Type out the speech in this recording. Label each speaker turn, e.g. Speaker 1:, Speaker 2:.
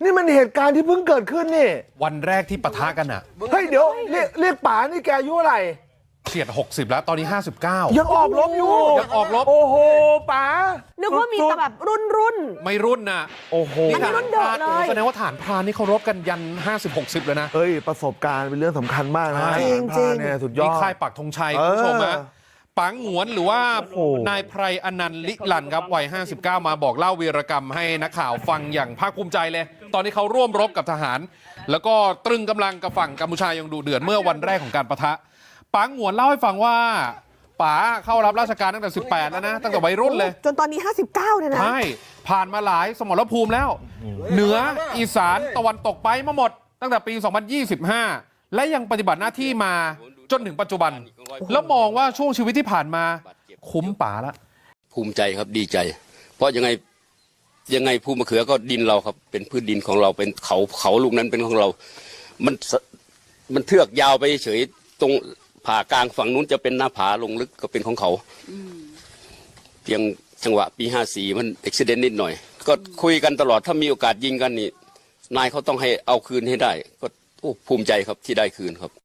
Speaker 1: นี่มันเหตุการณ์ที่เพิ่งเกิดขึ้นนี่
Speaker 2: วันแรกที่ปะทะกันอ่ะ
Speaker 1: เฮ้ยเดี๋ยวเรียกป๋านี่แกอายุอะไร
Speaker 2: เฉียด60แล้วตอนนี้59
Speaker 1: ยังออกรบอยู่
Speaker 2: ยังออกรบ
Speaker 1: โอ้โหป๋า
Speaker 3: นึกว่ามีแต่แบบรุ่น
Speaker 2: ไม่รุ่นน่ะ
Speaker 1: โอ้โห
Speaker 3: อันนี้รุ่นเดิมเลย
Speaker 2: แสดงว่าฐานพรานนี่เขารบกันยัน50-60เลยนะ
Speaker 1: เฮ้ยประสบการณ์เป็นเรื่องสำคัญมากนะ
Speaker 3: จริง
Speaker 1: เนี่ยสุดยอด
Speaker 2: นี่ค่ายปักธงชัยคุณผู้ชมนะปังหงวนหรือว่านายไพรอนันต์ลิลันครับวัย59มาบอกเล่าวีรกรรมให้นักข่าวฟังอย่างภาคภูมิใจเลยตอนนี้เขาร่วมรบกับทหารแล้วก็ตรึงกำลังกับฝั่งกัมพูชายังดุเดือดเมื่อวันแรกของการปะทะปังหงวนเล่าให้ฟังว่าป๋าเข้ารับราชการตั้งแต่18แล้วนะตั้งแต่วัยรุ่นเลย
Speaker 3: จนตอนนี้59เนี่ยนะ
Speaker 2: ใช่ผ่านมาหลายสมรภูมิแล้วเหนืออีสานตะวันตกไปมาหมดตั้งแต่ปี2025และยังปฏิบัติหน้าที่มาจนถึงปัจจุบันแล้วมองว่าช่วงชีวิตที่ผ่านมาคุ้มป๋าละ
Speaker 4: ภูมิใจครับดีใจเพราะยังไงภูมะเขือก็ดินเราครับเป็นพื้นดินของเราเป็นเขาลูกนั้นเป็นของเรามันเทือกยาวไปเฉยตรงผ่ากลางฝั่งนู้นจะเป็นหน้าผาลงลึกก็เป็นของเขาเพียงจังหวะปี54มันอุบิเหตุนิดหน่อยก็คุยกันตลอดถ้ามีโอกาสยิงกันนี่นายเขาต้องให้เอาคืนให้ได้ก็ภูมิใจครับที่ได้คืนครับ